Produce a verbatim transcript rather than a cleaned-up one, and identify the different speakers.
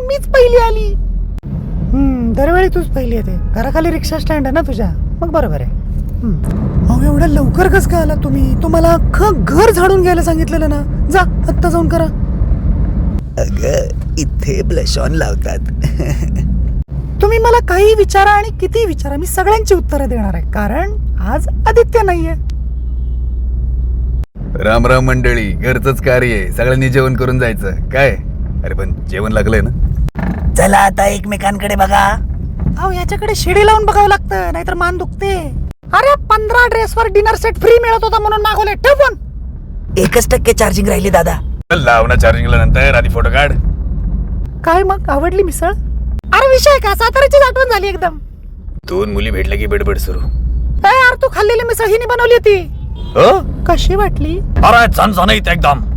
Speaker 1: मीच पहिली आली. हम्म दरवेळी तूच पहिली येते. घराखाली रिक्षा स्टँड आहे ना तुझ्या, मग बरोबर आहे. अहो एवढ्या लवकर कस काय आला तुम्ही? तुम्हाला अख्खं घर झाडून घ्यायला सांगितलेलं ना. जा आत्ता जाऊन करा.
Speaker 2: अगं इथे ब्लश ऑन लावतात.
Speaker 1: तुम्ही मला काही विचारा आणि किती विचारा, मी सगळ्यांची उत्तरं देणार आहे, कारण आज आदित्य नाहीये.
Speaker 2: राम राम मंडळी, घरचंच कार्य आहे, सगळ्यांनी जेवण करून जायचं काय. अरे पण जेवण लागलंय ना.
Speaker 3: चला आता एकमेकांकडे बघा.
Speaker 1: अहो याच्याकडे शिडी लावून बघावं लागतं, नाहीतर मान दुखते. अरे पंधरा ड्रेसवर डिनर सेट फ्री मिळत होता म्हणून मागवले. ठेव फोन.
Speaker 3: एकच टक्के चार्जिंग राहिली दादा.
Speaker 2: लाव ना चार्जिंगला, नंतर आधी फोटो काढ.
Speaker 1: काय मग आवडली मिसळ? अरे विषय का, साताऱ्याचीच आठवण झाली एकदम.
Speaker 2: दोन मुली भेटल्या की बडबड सुरू.
Speaker 1: ए यार तू खाल्लेली मिसळ हिने बनवली होती.
Speaker 2: हो
Speaker 1: कशी वाटली?
Speaker 2: अरे छान छान एकदम.